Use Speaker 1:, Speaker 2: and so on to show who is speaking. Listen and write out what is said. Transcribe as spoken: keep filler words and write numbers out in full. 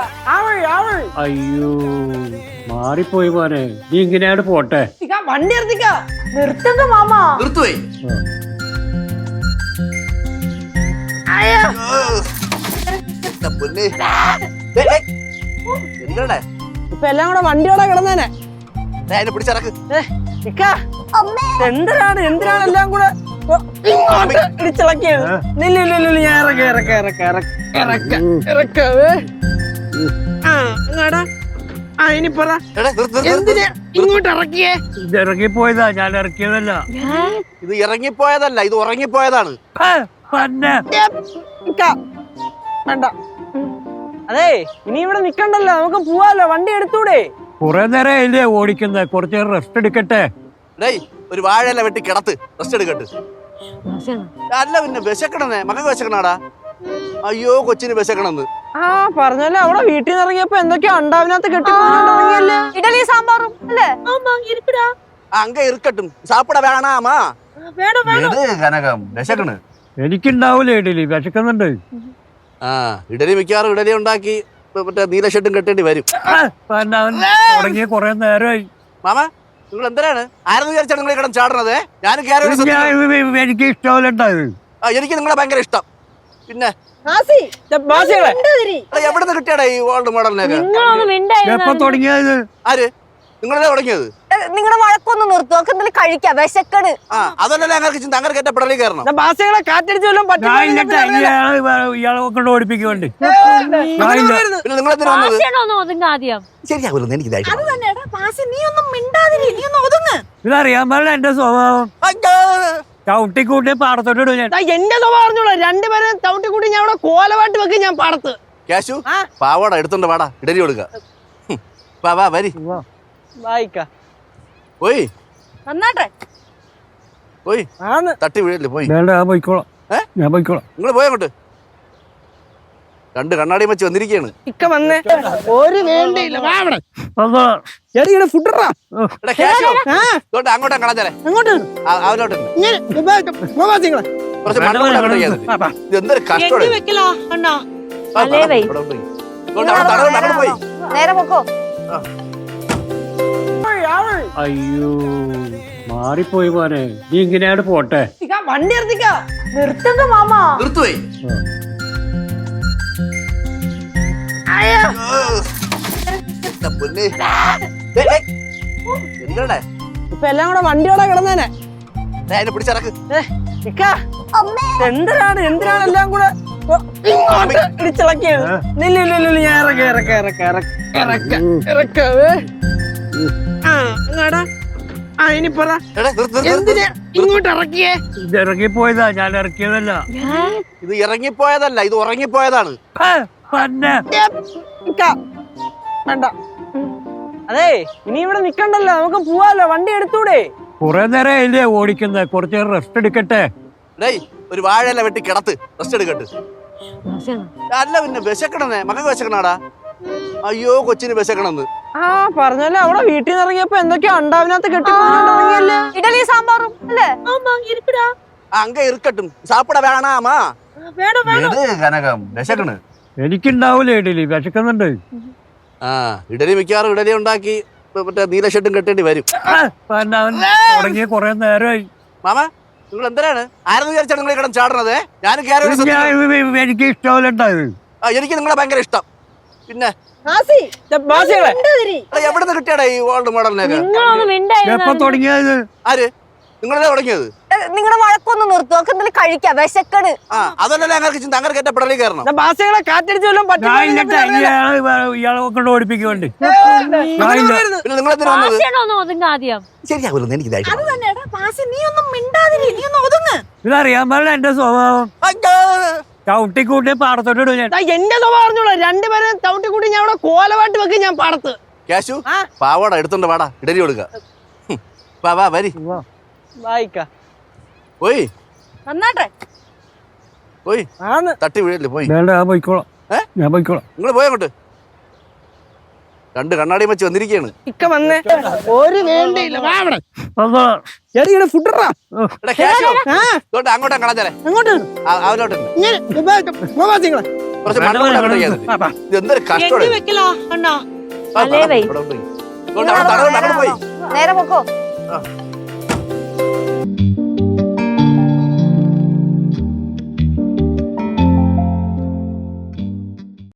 Speaker 1: അയ്യോ മാറിപ്പോയി മോനെ, നീ ഇങ്ങനെയാണ് പോട്ടെ.
Speaker 2: വണ്ടി നിർത്തിക്ക. നിർത്തുക മാമ.
Speaker 3: നിർത്തുവേ. എന്താ
Speaker 2: ഇപ്പൊ എല്ലാം കൂടെ വണ്ടിയോടെ കിടന്നേനെ.
Speaker 3: അതിനെ പിടിച്ചിറക്ക്.
Speaker 2: എന്തിനാണ് എന്തിനാണ് എല്ലാം കൂടെ ഇടിച്ചിളക്കിയത്? ഞാൻ ഇറക്ക ഇറക്ക ഇറക്ക ഇറക്ക ഇറക്ക ആ എന്നാടാ. ആ ഇനി പറ, എന്തിനാ ഇങ്ങോട്ട് ഇറക്കിയേ?
Speaker 1: ഇത് ഇറങ്ങിപ്പോയതാ, ഞാൻ ഇറക്കിയതല്ല.
Speaker 3: ഇത് ഇറങ്ങിപ്പോയതല്ല, ഇത് ഉറങ്ങിപ്പോയതാണ്.
Speaker 2: വേണ്ട. അതെ ഇനി ഇവിടെ നിക്കണ്ടല്ലോ, നമുക്ക് പോവാലോ. വണ്ടി എടുത്തൂടെ?
Speaker 1: കുറെ നേരം ഇല്ലേ ഓടിക്കുന്നത്, കുറച്ച് റെസ്റ്റ് എടുക്കട്ടെ.
Speaker 3: ഡേയ് ഒരു വാഴയില വെട്ടി കിടത്ത്, റെസ്റ്റ് എടുക്കട്ട്. അല്ല പിന്നെ വിശക്കണെന്നേ, മകൾക്ക് വിശക്കണാടാ. അയ്യോ കൊച്ചിന് വിശക്കണെന്ന്.
Speaker 2: ആ പറഞ്ഞല്ലോ, അവിടെ വീട്ടിൽ നിന്ന് ഇറങ്ങിയപ്പോ എന്തൊക്കെയോ ഉണ്ടാവിനകത്ത് കെട്ടിപ്പോയില്ലേ.
Speaker 4: ഇഡലി സാമ്പാറും അല്ലേ?
Speaker 3: അങ്ക ഇരിക്കട്ടും സാപ്പിട വേണാമാ. കനകം വിശക്കണ്.
Speaker 1: എനിക്കുണ്ടാവൂലേ ഇഡലി, വിശക്കുന്നുണ്ട്.
Speaker 3: ആ ഇഡലി മിക്കവാറും ഇഡലി ഉണ്ടാക്കി മറ്റേ നീല ഷർട്ടും കെട്ടേണ്ടി വരും.
Speaker 1: തുടങ്ങിയ കൊറേ നേരമായി.
Speaker 3: മാമ നിങ്ങൾ എന്തിനാണ് ആരെന്ന് വിചാരിച്ചാണ് നിങ്ങൾ കിടന്ന് ചാടണത്? ഞാനും
Speaker 1: എനിക്ക് ഇഷ്ടമല്ലുണ്ടായത്.
Speaker 3: ആ എനിക്ക് നിങ്ങളെ ഭയങ്കര ഇഷ്ടം. പിന്നെ എവിടുന്ന് കിട്ടിയാടാ ഈ ഓൾഡ് മോഡലിനൊക്കെ?
Speaker 1: എപ്പോ തുടങ്ങിയത്?
Speaker 3: ആര്? നിങ്ങളല്ലേ തുടങ്ങിയത്?
Speaker 4: നിങ്ങളുടെ വഴക്കൊന്ന് നിർത്തും, നമുക്ക് എന്തെങ്കിലും കഴിക്കാം, വിശക്കണ്.
Speaker 3: ആ അതല്ലല്ലേ അങ്ങനെ ചിന്ത, അങ്ങനെ കെട്ട പിടലി കയറണം.
Speaker 2: ഭാഷകളെ കാറ്റടിച്ചു
Speaker 1: ഇയാളെ കൊണ്ട് ഓടിപ്പിക്കുന്നുണ്ട്.
Speaker 3: പിന്നെ നിങ്ങൾ എന്തിനാ വന്നത്?
Speaker 4: ആദ്യം
Speaker 3: ശരിയാവില്ല എനിക്ക്
Speaker 1: ഇതറിയാൻ പാടില്ല എന്റെ സ്വഭാവം. ചവിട്ടിക്കൂട്ടി പാടത്തോട്ട് ഞാൻ
Speaker 2: എന്റെ സ്വഭാവം അറിഞ്ഞോളൂ. രണ്ടുപേരും ചവിട്ടിക്കൂട്ടി ഞാൻ അവിടെ കോലമായിട്ട് വെക്കും. ഞാൻ പാടത്ത്
Speaker 3: ക്യാഷു പാവാട എടുത്തോണ്ട് വാടാ, ഇഡലി കൊടുക്ക. വാ വരി
Speaker 2: വായിക്ക
Speaker 3: പോയി
Speaker 4: നന്നാട്ടെ.
Speaker 3: പോയി തട്ടി വീഴല്ലേ? പോയി
Speaker 1: ഞാൻ പോയിക്കോളാം. ഞാൻ പോയിക്കോളാം.
Speaker 3: നിങ്ങൾ പോയങ്ങോട്ട്. രണ്ട് കണ്ണാടിയും വെച്ച് വന്നിരിക്കുകയാണ്.
Speaker 2: ഇക്ക വന്നേ. ഒരു വേണ്ടിയില്ല.
Speaker 3: അങ്ങോട്ടാ കളഞ്ഞാലേ അവനോട്ട് എന്തൊരു കഷ്ടം. പോയി
Speaker 4: നേരെ പൊക്കോ.
Speaker 1: അയ്യോ മാറിപ്പോയി മോനെ, നീ ഇങ്ങനെയാണ് പോട്ടെ.
Speaker 2: വണ്ടി നിർത്തിക്ക.
Speaker 4: നിർത്തുക മാമ.
Speaker 3: നിർത്തുവേ. എന്താ
Speaker 2: ഇപ്പൊ എല്ലാം കൂടെ വണ്ടിയോടെ കിടന്നേനെ.
Speaker 3: അതിനെ പിടിച്ചിറക്ക്.
Speaker 2: എന്തിനാണ് എന്തിനാണ് എല്ലാം കൂടെ ഇടിച്ചിളക്കിയത്? ഞാൻ ഇറക്ക ഇറക്ക ഇറക്ക ഇറക്ക ഇറക്ക ആ എന്നാടാ. ആ ഇനി പറ, എന്തിനാ ഇങ്ങോട്ട് ഇറക്കിയേ?
Speaker 1: ഇത് ഇറങ്ങിപ്പോയതാ, ഞാൻ ഇറക്കിയതല്ല.
Speaker 3: ഇത് ഇറങ്ങിപ്പോയതല്ല, ഇത് ഉറങ്ങിപ്പോയതാണ്.
Speaker 2: വേണ്ട. അതെ ഇനി ഇവിടെ നിക്കണ്ടല്ലോ, നമുക്ക് പോവാലോ. വണ്ടി എടുത്തൂടെ?
Speaker 1: കുറെ നേരം ഇല്ലേ ഓടിക്കുന്നത്, കുറച്ച് റെസ്റ്റ് എടുക്കട്ടെ.
Speaker 3: ഡേയ് ഒരു വാഴയില വെട്ടി കിടത്ത്, റെസ്റ്റ് എടുക്കട്ട്. അല്ല പിന്നെ വിശക്കണെന്നേ, മകൾക്ക് വിശക്കണാടാ. അയ്യോ കൊച്ചിന് വിശക്കണെന്ന്.
Speaker 2: ആ പറഞ്ഞല്ലോ, അവിടെ വീട്ടിൽ നിന്ന് ഇറങ്ങിയപ്പോ എന്തൊക്കെയോ ഉണ്ടാവിനകത്ത് കെട്ടിപ്പോയില്ലേ.
Speaker 4: ഇഡലി സാമ്പാറും അല്ലേ?
Speaker 3: അങ്ക ഇരിക്കട്ടും സാപ്പിട വേണാമാ. കനകം വിശക്കണ്.
Speaker 1: എനിക്കുണ്ടാവൂലേ ഇഡലി, വിശക്കുന്നുണ്ട്.
Speaker 3: ആ ഇഡലി മിക്കവാറും ഇഡലി ഉണ്ടാക്കി മറ്റേ നീല ഷർട്ടും കെട്ടേണ്ടി വരും.
Speaker 1: തുടങ്ങിയ കൊറേ നേരമായി.
Speaker 3: മാമ നിങ്ങൾ എന്തിനാണ് ആരെന്ന് വിചാരിച്ചാണ് നിങ്ങൾ കിടന്ന് ചാടണത്? ഞാനും
Speaker 1: എനിക്ക് ഇഷ്ടമല്ലുണ്ടായത്.
Speaker 3: ആ എനിക്ക് നിങ്ങളെ ഭയങ്കര ഇഷ്ടം. പിന്നെ എവിടുന്ന് കിട്ടിയാടാ ഈ ഓൾഡ് മോഡലിനൊക്കെ?
Speaker 1: എപ്പോ തുടങ്ങിയത്?
Speaker 3: ആര്? നിങ്ങളല്ലേ തുടങ്ങിയത്?
Speaker 4: നിങ്ങളുടെ വഴക്കൊന്ന് നിർത്തും, നമുക്ക് എന്തെങ്കിലും കഴിക്കാം, വിശക്കണ്.
Speaker 3: ആ അതല്ലല്ലേ അങ്ങനെ ചിന്ത, അങ്ങനെ കെട്ട പിടലി കയറണം.
Speaker 2: ഭാഷകളെ കാറ്റടിച്ചു
Speaker 1: ഇയാളെ കൊണ്ട് ഓടിപ്പിക്കുന്നുണ്ട്.
Speaker 3: പിന്നെ നിങ്ങൾ എന്തിനാ വന്നത്?
Speaker 4: ആദ്യം
Speaker 3: ശരിയാവില്ല എനിക്ക്
Speaker 1: ഇതറിയാൻ പാടില്ല എന്റെ സ്വഭാവം. ചവിട്ടിക്കൂട്ടി പാടത്തോട്ട് ഞാൻ
Speaker 2: എന്റെ സ്വഭാവം അറിഞ്ഞോളൂ. രണ്ടുപേരും ചവിട്ടിക്കൂട്ടി ഞാൻ അവിടെ കോലമായിട്ട് വെക്കും. ഞാൻ പാടത്ത്
Speaker 3: ക്യാഷു പാവാട എടുത്തോണ്ട് വാടാ, ഇഡലി കൊടുക്ക. വാ വരി
Speaker 2: വായിക്ക
Speaker 3: പോയി
Speaker 4: നന്നാട്ടെ.
Speaker 3: പോയി തട്ടി വീഴല്ലേ? പോയി
Speaker 1: ഞാൻ പോയിക്കോളാം. ഞാൻ പോയിക്കോളാം.
Speaker 3: നിങ്ങൾ പോയങ്ങോട്ട്. രണ്ട് കണ്ണാടിയും വെച്ച് വന്നിരിക്കുകയാണ്.
Speaker 2: ഇക്ക വന്നേ. ഒരു വേണ്ടിയില്ല.
Speaker 3: അങ്ങോട്ടാ കളഞ്ഞാലേ
Speaker 2: അങ്ങോട്ട്
Speaker 3: അവനോട്ട് കുറച്ച്
Speaker 1: വേണ്ട,
Speaker 3: മണ്ണ്
Speaker 1: വേണ്ട,
Speaker 3: ചെയ്യാൻ
Speaker 1: വാ, വാ.
Speaker 3: ഇത് എന്തൊരു കഷ്ടമാണ്
Speaker 2: വെക്കലോ അണ്ണാ
Speaker 4: അല്ലേ വൈ.
Speaker 3: പോയി അങ്ങോട്ട് പോയി
Speaker 4: നേരെ പൊക്കോ
Speaker 3: ആ